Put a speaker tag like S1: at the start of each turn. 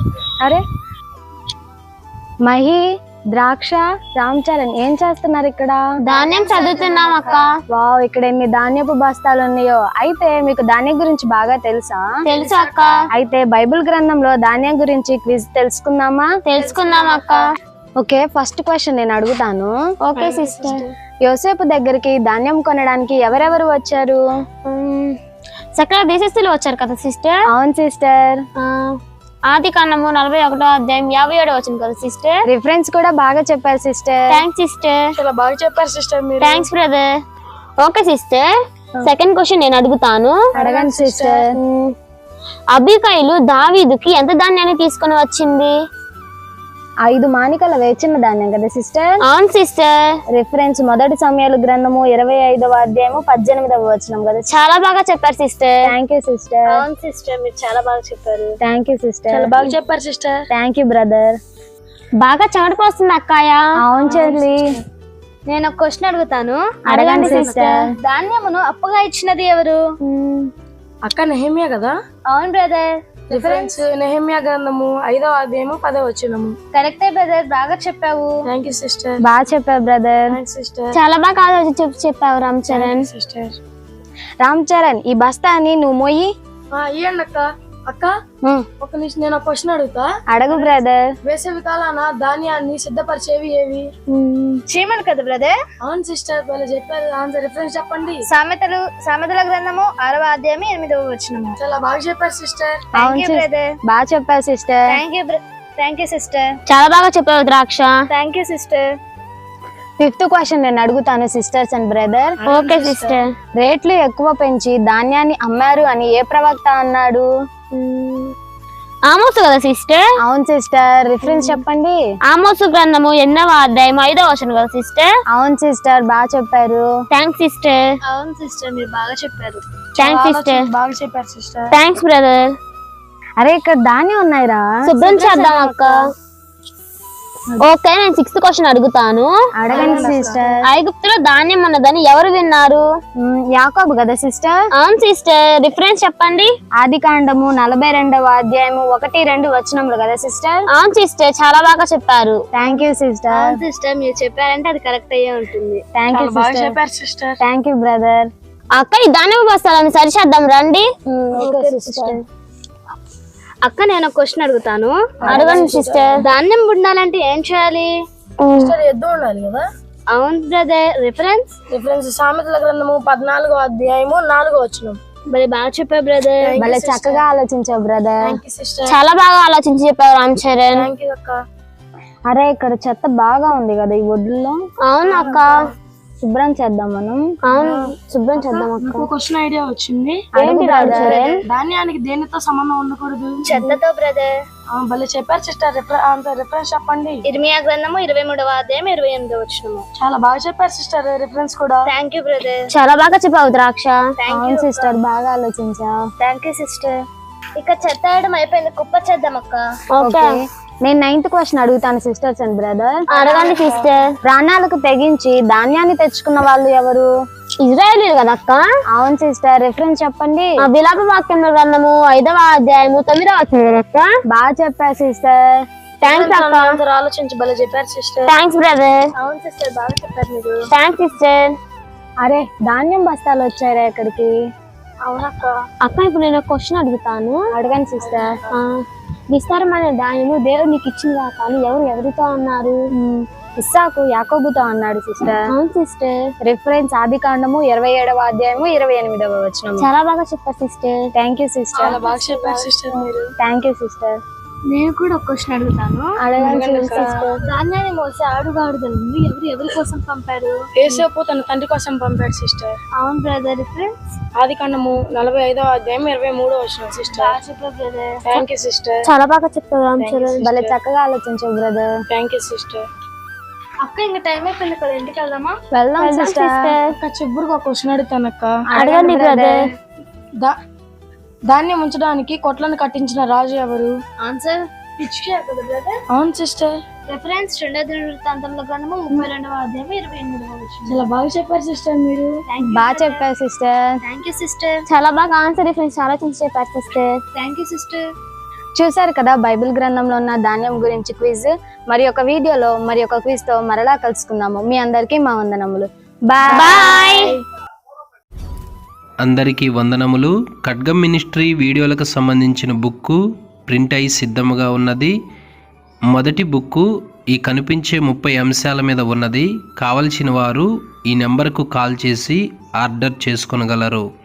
S1: అరే మహి, ద్రాక్ష, రామ్ చరణ్ ఏం చేస్తున్నారు ఇక్కడ?
S2: ధాన్యం చదువుతున్నాం అక్క.
S1: వావ్, ఇక్కడ ఎన్ని ధాన్యపు బస్తాలు ఉన్నాయో. అయితే మీకు ధాన్యం గురించి బాగా తెలుసా?
S2: తెలుసు అక్క.
S1: అయితే బైబిల్ గ్రంథంలో ధాన్యం గురించి క్విజ్ తెలుసుకుందామా?
S2: తెలుసుకుందాం అక్క.
S1: ఓకే, ఫస్ట్ క్వశ్చన్ నేను అడుగుతాను.
S2: Okay sister.
S1: యోసేపు దగ్గరికి ధాన్యం కొనడానికి ఎవరెవరు వచ్చారు?
S2: సకల దేశస్తులు వచ్చారు కదా సిస్టర్.
S1: అవును సిస్టర్.
S2: ఆది కాండము 41వ అధ్యాయం 57వ వచనం కదా సిస్టర్.
S1: రిఫరెన్స్ కూడా బాగా చెప్పారు సిస్టర్.
S2: Thanks sister.
S3: చాలా బాగా చెప్పారు సిస్టర్ మీరు.
S2: Thanks brother. Okay sister, second question నేను అడుగుతాను.
S1: అడగండి సిస్టర్.
S2: అబీకైలు దావీదుకి ఎంత ధాన్యాన్ని తీసుకొని వచ్చింది?
S1: 5 మానికల వేచిన ధాన్యం కదా సిస్టర్.
S2: అవును సిస్టర్.
S1: రిఫరెన్స్ మొదటి సమయాలు గ్రంథము 25వ అధ్యాయము 18వ వచనం కదా.
S2: చాలా బాగా చెప్పారు సిస్టర్.
S1: Thank you sister.
S3: అవును సిస్టర్, మీరు చాలా బాగా చెప్పారు.
S1: Thank you sister.
S3: చాలా బాగా చెప్పారు సిస్టర్.
S1: Thank you brother.
S2: బాగా చెమటపోస్తుంది అక్కాయ.
S1: అవును చెల్లి.
S3: నేను ఒక క్వశ్చన్ అడుగుతాను.
S1: అడగండి సిస్టర్.
S3: ధాన్యమును అప్పుగా ఇచ్చినది ఎవరు? అక్క నెహెమ్యా కదా.
S2: అవును బ్రదర్.
S3: రిఫరెన్స్ నెహెమ్యా గ్రంథము 5వ అధ్యాయము 10వ వచనము.
S2: కరెక్టే బ్రదర్, బాగా చెప్పావు.
S3: Thank you sister.
S1: బాగా చెప్పావు బ్రదర్.
S3: Thanks sister.
S2: చాలా బాగా ఆలోచించి చెప్పావు రామ్ చరణ్.
S3: సిస్టర్.
S1: రామ్ చరణ్, ఈ బస్తాని నువ్వు మోయి.
S3: ఇయ్యండి అక్క. అక్క ఒక నిమిషం, నేను ఒక క్వశ్చన్ అడుగుతా.
S1: అడగు బ్రదర్.
S3: వేసవి కాలాన ధాన్యాన్ని సిద్ధపరిచేవి ఏవి?
S2: చీమలు కదా బ్రదర్.
S3: అవును సిస్టర్, వాళ్ళు చెప్పారు. ఆన్సర్ రిఫరెన్స్ చెప్పండి.
S2: సామెతల గ్రంథము 6వ అధ్యాయం 8వ వచనము.
S3: చాలా బాగా చెప్పారు సిస్టర్.
S1: అవును బ్రదర్. బాగా చెప్పావు సిస్టర్.
S2: Thank you sister. చాలా బాగా చెప్పావు ద్రాక్ష.
S3: Thank you sister.
S1: Fifth question నేను అడుగుతాను sisters and brother.
S2: Okay sister.
S1: రేట్లు ఎక్కువ పెంచి ధాన్యాన్ని అమ్మారు అని ఏ ప్రవక్త అన్నాడు?
S2: ఆమోసు కదా సిస్టర్.
S1: అవును సిస్టర్. రిఫరెన్స్ చెప్పండి.
S2: ఆమోసు గ్రంథము 8వ అధ్యాయం 5వ వచనం కదా సిస్టర్.
S1: అవును సిస్టర్, బాగా చెప్పారు.
S2: Thanks sister.
S3: అవును సిస్టర్, మీరు బాగా చెప్పారు.
S2: Thanks sister.
S3: బాగా చెప్పారు సిస్టర్.
S2: Thanks brother.
S1: అరే ఇక్కడ ధాన్యం ఉన్నాయిరా,
S2: శుభ్రం చేద్దాం అక్క. ఓకే, నేను 6th క్వశ్చన్ అడుగుతాను.
S1: అడగండి సిస్టర్.
S2: ఐగుప్తులో ధాన్యం ఉన్నదని ఎవరు విన్నారు?
S1: యాకోబు కదా సిస్టర్.
S2: అవును సిస్టర్. రిఫరెన్స్ చెప్పండి.
S1: ఆది కాండము 42వ అధ్యాయము 1-2 వచనములు కదా సిస్టర్.
S2: అవును సిస్టర్, చాలా బాగా చెప్పారు.
S1: Thank you sister.
S3: సిస్టర్, మీరు చెప్పారంటే అది కరెక్ట్ అయ్యే ఉంటుంది.
S1: థ్యాంక్ యూ
S3: బాగా
S1: సిస్టర్.
S3: చెప్పారు సిస్టర్.
S1: Thank you brother.
S2: అక్క, ఈ ధాన్యం బస్తాలను సరిచేద్దాం రండి.
S1: Okay sister.
S3: అక్క, నేను ఒక క్వశ్చన్ అడుగుతాను.
S2: అడగండి సిస్టర్.
S3: ధాన్యం ఉండాలంటే ఏం చేయాలి? ఎద్దు ఉండాలి కదా.
S2: అవును బ్రదర్.
S3: రిఫరెన్స్ సామెతల గ్రంథము 14వ అధ్యాయము 4వ వచనం.
S2: మరి బాగా చెప్పావు బ్రదర్.
S1: భలే చక్కగా ఆలోచించావు బ్రదర్.
S3: Thank you sister.
S2: చాలా బాగా ఆలోచించి చెప్పావు రామ్ చరణ్.
S3: థ్యాంక్ యూ అక్క.
S1: అరే ఇక్కడ చెత్త బాగా ఉంది కదా ఈ ఒడ్లలో.
S2: అవును అక్క.
S1: శుభ్రం చేద్దాం మనం.
S2: అవును, శుభ్రం చేద్దాం అక్క.
S3: ఒక క్వశ్చన్ ఐడియా వచ్చింది.
S2: ఏంటి రామ్ చరణ్?
S3: ధాన్యానికి దేనితో సంబంధం ఉండకూడదు?
S2: చెత్తతో బ్రదర్.
S3: భలే చెప్పారు సిస్టర్. రిఫరెన్స్ చెప్పండి.
S2: ఇర్మియా గ్రంథము 23వ అధ్యాయం 28వ వచనము.
S3: చాలా బాగా చెప్పారు సిస్టర్. రిఫరెన్స్ కూడా.
S2: Thank you brother. చాలా బాగా చెప్పావు ద్రాక్ష.
S1: అవును సిస్టర్, బాగా ఆలోచించావు.
S2: Thank you sister. ఇక చెత్త వేయడం అయిపోయింది, కుప్ప చేద్దాం అక్క.
S1: ఓకే, నేను 9th క్వశ్చన్ అడుగుతాను సిస్టర్స్ అండ్ బ్రదర్.
S2: అడగండి సిస్టర్.
S1: ప్రాణాలకు తెగించి ధాన్యాన్ని తెచ్చుకున్న వాళ్ళు ఎవరు?
S2: ఇజ్రాయేలీలు కదా అక్క.
S1: అవును సిస్టర్. రిఫరెన్స్ చెప్పండి.
S2: విలాప వాక్యం గ్రంథము 5వ అధ్యాయము 9వ వచనం అక్క.
S1: బాగా చెప్పారు సిస్టర్.
S2: థ్యాంక్స్ అక్క.
S3: అందరూ ఆలోచించి భలే చెప్పారు సిస్టర్.
S2: Thanks brother.
S3: అవును సిస్టర్, బాగా చెప్పారు మీరు.
S2: Thanks sister.
S1: అరే ధాన్యం బస్తాలు వచ్చారా ఇక్కడికి?
S3: అవునక్క.
S2: అక్క, ఇప్పుడు నేను క్వశ్చన్ అడుగుతాను.
S1: అడగండి సిస్టర్.
S2: విస్తారమైన ధాన్యము దేవుడు నీకు ఇచ్చిందా కానీ ఎవరితో అన్నారు?
S1: ఇస్సాకు యాకోబుతో అన్నాడు సిస్టర్.
S2: అవును సిస్టర్.
S1: రిఫరెన్స్ ఆది కాండము 27వ అధ్యాయము 28వ వచనం.
S2: చాలా బాగా చెప్పారు సిస్టర్.
S1: Thank you sister.
S3: చాలా బాగా చెప్పారు సిస్టర్ మీరు.
S1: Thank you sister.
S3: నేను కూడా ఒక క్వశ్చన్ అడుగుతాను.
S1: అడగండి సిస్టర్.
S3: ధాన్యాన్ని మోసే ఆడుగాడుదలను ఎవరి కోసం పంపారు? యేసేపు తన తండ్రి కోసం పంపాడు సిస్టర్.
S2: అవును బ్రదర్. రిఫరెన్స్
S3: ఆది కాండము 45వ అధ్యాయం 23వ వచనం sister.
S2: Brother.
S3: Thank you sister.
S2: చాలా బాగా చెప్పారు రామ్ చరణ్.
S1: భలే చక్కగా ఆలోచించావు బ్రదర్.
S3: Thank you sister.
S2: అక్క, ఇంకా టైం అయిపోయింది కదా, ఇంటికి వెళ్దామా?
S1: వెళ్దాం సిస్టర్.
S3: అక్క, చివరికి ఒక క్వశ్చన్ అడుగుతాను అక్క.
S2: అడగండి బ్రదర్.
S3: ధాన్యం ఉంచడానికి కొట్లను కట్టించిన రాజు ఎవరు?
S2: ఆన్సర్ హిజ్కియా కదా బ్రదర్.
S3: అవును సిస్టర్.
S2: రిఫరెన్స్ 2వ దినవృత్తాంతముల గ్రంథము 32వ అధ్యాయం 28వ వచనం.
S3: చాలా బాగా చెప్పారు సిస్టర్ మీరు.
S1: బాగా చెప్పారు సిస్టర్.
S2: Thank you sister. చాలా బాగా ఆన్సర్ రిఫరెన్స్ ఆలోచించి చెప్పారు సిస్టర్. Thank you sister.
S1: చూశారు కదా బైబిల్ గ్రంథంలో ఉన్న ధాన్యం గురించి క్విజ్. మరి ఒక వీడియోలో మరి ఒక క్విజ్ తో మరలా కలుసుకుందాము. మీ అందరికీ మా వందనములు. బాయ్.
S4: అందరికీ వందనములు. ఖడ్గం మినిస్ట్రీ వీడియోలకు సంబంధించిన బుక్కు ప్రింట్ అయి సిద్ధముగా ఉన్నది. మొదటి బుక్కు ఈ కనిపించే 30 అంశాల మీద ఉన్నది. కావలసిన వారు ఈ నెంబర్కు కాల్ చేసి ఆర్డర్ చేసుకొనగలరు.